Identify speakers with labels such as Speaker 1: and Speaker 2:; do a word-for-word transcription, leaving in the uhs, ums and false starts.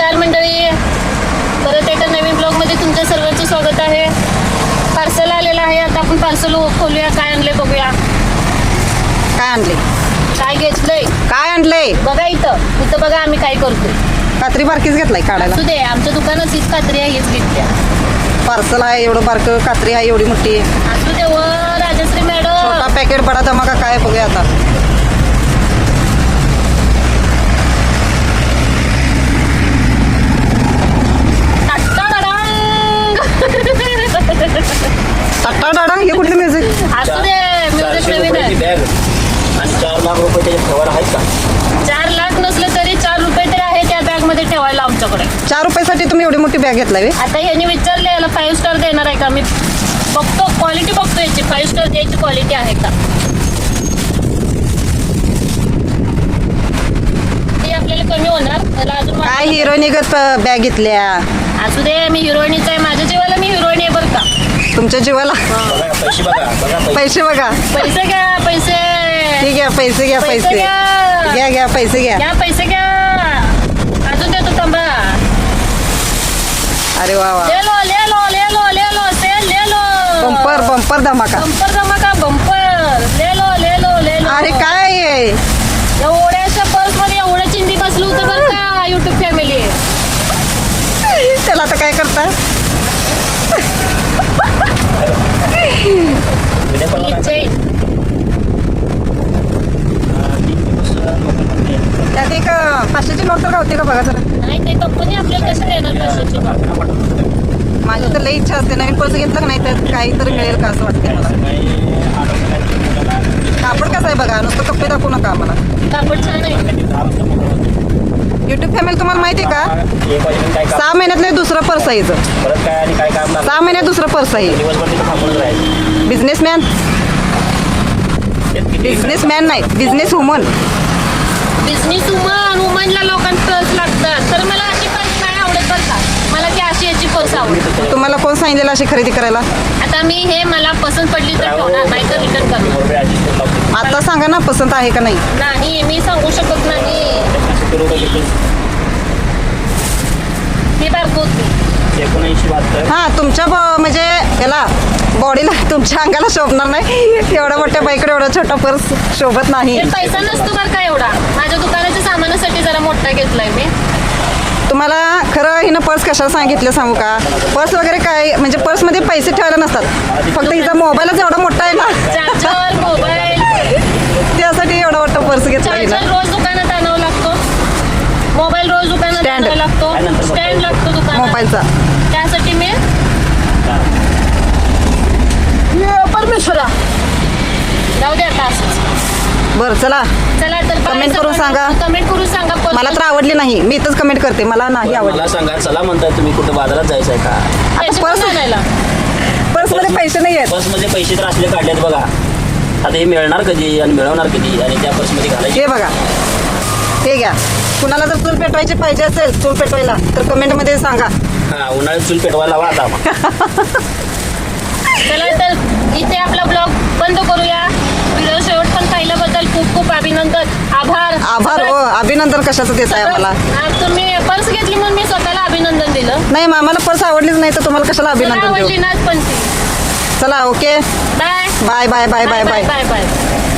Speaker 1: नमस्कार मंडळी, परत एका नवीन ब्लॉगमध्ये तुमच्या सर्वांचं स्वागत आहे. पार्सल आलेलं आहे. आता आपण पार्सल खोलूया. काय आणले बघूया.
Speaker 2: काय आणले?
Speaker 1: काय घेतलंय?
Speaker 2: काय आणलंय?
Speaker 1: बघा इथं इथं बघा आम्ही काय करतोय.
Speaker 2: कात्री बारकीच घेतलाय काढायला.
Speaker 1: असू दे, आमच्या दुकानात हीच कात्री आहे, हीच घेतल्या.
Speaker 2: पार्सल आहे एवढं बारकं, कात्री आहे एवढी मोठी.
Speaker 1: असू दे व राजश्री मॅडम.
Speaker 2: छोटा पॅकेट बडा धमाका काय बघूया आता. टट्टा डाडा हे कुठली म्युझिक?
Speaker 1: असू दे, म्युझिक नवीन आहे.
Speaker 3: आणि चार लाख रुपये त्याचे खबर आहेत का?
Speaker 1: चार लाख नसलं तरी चार रुपये तरी आहे त्या बॅग मध्ये ठेवायला आमच्याकडे.
Speaker 2: चार रुपयासाठी तुम्ही एवढी मोठी बॅग घेतलाय?
Speaker 1: आता यांनी विचारले याला फाईव्ह स्टार देणार आहे का. मी बघतो क्वालिटी, बघतो याची फाईव्ह स्टार द्यायची क्वालिटी आहे का. ती आपल्याला कमी होणार. त्याला अजून
Speaker 2: काय हिरोईनिगत बॅग घेतल्या?
Speaker 1: असू दे, मी हिरोईनीच आहे. माझ्या जीवाला मी हिरोईन आहे बरं का.
Speaker 2: तुमच्या जीवाला
Speaker 3: बघा पैसे बघा बघा पैसे.
Speaker 2: पैसे बघा.
Speaker 1: पैसे घ्या, पैसे.
Speaker 2: ठीक आहे, पैसे घ्या.
Speaker 1: पैसे
Speaker 2: पैसे
Speaker 1: घ्या.
Speaker 2: घ्या घ्या पैसे घ्या.
Speaker 1: घ्या पैसे घ्या. अजून देतो थांबा.
Speaker 2: अरे वा वा.
Speaker 1: ले लो ले लो ले लो ले लो सेल ले लो.
Speaker 2: बंपर बंपर धमाका.
Speaker 1: बंपर धमाका बंपर. ले लो ले लो ले लो.
Speaker 2: अरे काय आहे?
Speaker 1: एवढ्याशा पर्स मध्ये एवढं चिंदी बसलं होतं बरं का युट्यूब फॅमिली.
Speaker 2: त्याला आता काय करता?
Speaker 3: उद्या परवा काय?
Speaker 2: त्यात एक पाचशेची नोट तर गावते का बघा जरा.
Speaker 1: नाही, ते कंपनी आपल्याला कसं देणार पैशाची.
Speaker 2: माझी तर लई इच्छा असते नवीन पर्स घेतलं का नाही तर काहीतरी मिळेल का असं वाटतं मला. कापड कसं आहे बघा, नुसतं कपडे दाखवू नका आम्हाला.
Speaker 1: कापड छान आहे.
Speaker 2: युट्यूब फॅमिली तुम्हाला माहिती आहे का,
Speaker 3: एक वाजेपर्यंत काय काम?
Speaker 2: सहा महिन्यातलं हे दुसरं पर्स आहे हिचं.
Speaker 3: परत काय आणि काय काम लागलं?
Speaker 2: सहा महिन्यात दुसरं पर्स आहे.
Speaker 3: दिवसभर तिथं थांबून राहायचं.
Speaker 2: बिझनेसमॅन
Speaker 3: तेच किती
Speaker 2: बिझनेसमॅन नाही, बिझनेस वुमन.
Speaker 1: बिझनेस वुमन वुमनला लोकांना पर्स लागतात. तर मला अशी पर्स नाही आवडत बरं का. मला ती अशी याची पर्स आवडते.
Speaker 2: तुम्हाला कोण सांगितलेलं अशी खरेदी करायला?
Speaker 1: आता मी हे मला पसंत पडली तर ठेवणार, नाही तर रिटर्न करणार.
Speaker 3: रुपये adjust करून लावतो.
Speaker 2: आता सांगा ना पसंत आहे का नाही.
Speaker 1: नाही, मी सांगू शकत नाही.
Speaker 3: पाचशे रुपये घेतले.
Speaker 1: ही बारको होती.
Speaker 3: एकोणऐंशी बहात्तर.
Speaker 2: हा तुमच्या ब- म्हणजे याला बॉडीला तुमच्या अंगाला शोभणार नाही. एवढ्या मोठ्या बाईकडे एवढा छोटा पर्स शोभत नाही.
Speaker 1: हे पैसा नसतो बरं का एवढा. माझ्या दुकानाच्या सामानासाठी जरा मोठा घेतलाय मी.
Speaker 2: तुम्हाला खरं हिनं पर्स कशाला सांगितलं सांगू का. पर्स वगैरे काय म्हणजे पर्समध्ये पैसे ठेवायला नसतात. फक्त हिचा मोबाईलच एवढा मोठा आहे ना,
Speaker 1: चार्जर, मोबाईल.
Speaker 2: त्यासाठी एवढा मोठा पर्स घेतला
Speaker 1: चार्जर
Speaker 2: हिनं.
Speaker 1: रोज दुकानात आणावं लागतो. मोबाईल रोज दुकानात
Speaker 2: Stand.
Speaker 1: आणावं लागतो. स्टँड लागतो दुकानात.
Speaker 2: मोबाईलचा.
Speaker 1: त्यासाठी मी परमेश्वरा जाऊ दे आता असंच.
Speaker 2: बरं चला,
Speaker 1: चला तर
Speaker 2: Comment करून सांगा.
Speaker 1: कमेंट करून सांगा. पर्स
Speaker 2: मला तर आवडली नाही. मी इथंच कमेंट करते, मला नाही आवडली.
Speaker 3: मला सांगा, चला म्हणताय तुम्ही कुठं बाजारात जायचं आहे का?
Speaker 1: पैसे
Speaker 2: पर्स-
Speaker 1: कुठून आणायला?
Speaker 2: पर्समध्ये पैसे नाही आहेत.
Speaker 3: पर्समध्ये पैसे तर असले काढलेत बघा. आता हे मिळणार कधी आणि मिळवणार कधी आणि त्या पर्समध्ये घालायचे.
Speaker 2: हे बघा, हे घ्या. कुणाला जर चूल पेटवायची पाहिजे असेल चूल पेटवायला तर कमेंटमध्ये सांगा.
Speaker 3: हा, उन्हाळ्यात चूल पेटवायला लावा आता मग.
Speaker 1: चला तर इथे आपला ब्लॉग बंद करूया. व्हिडिओ शेवट पण पाहिल्याबद्दल खूप खूप अभिनंदन. आभार.
Speaker 2: आभार. हो, अभिनंदन कशाचं देत आहे आम्हाला.
Speaker 1: आज तुम्ही पर्स घेतली म्हणून मी स्वतःला अभिनंदन दिलं.
Speaker 2: नाही आम्हाला पर्स आवडलीच नाही तर तुम्हाला कशाला अभिनंदन
Speaker 1: आवडली
Speaker 2: देऊ.
Speaker 1: नाच पण ती.
Speaker 2: चला okay,
Speaker 1: bye
Speaker 2: bye bye bye bye bye.
Speaker 1: Bye bye.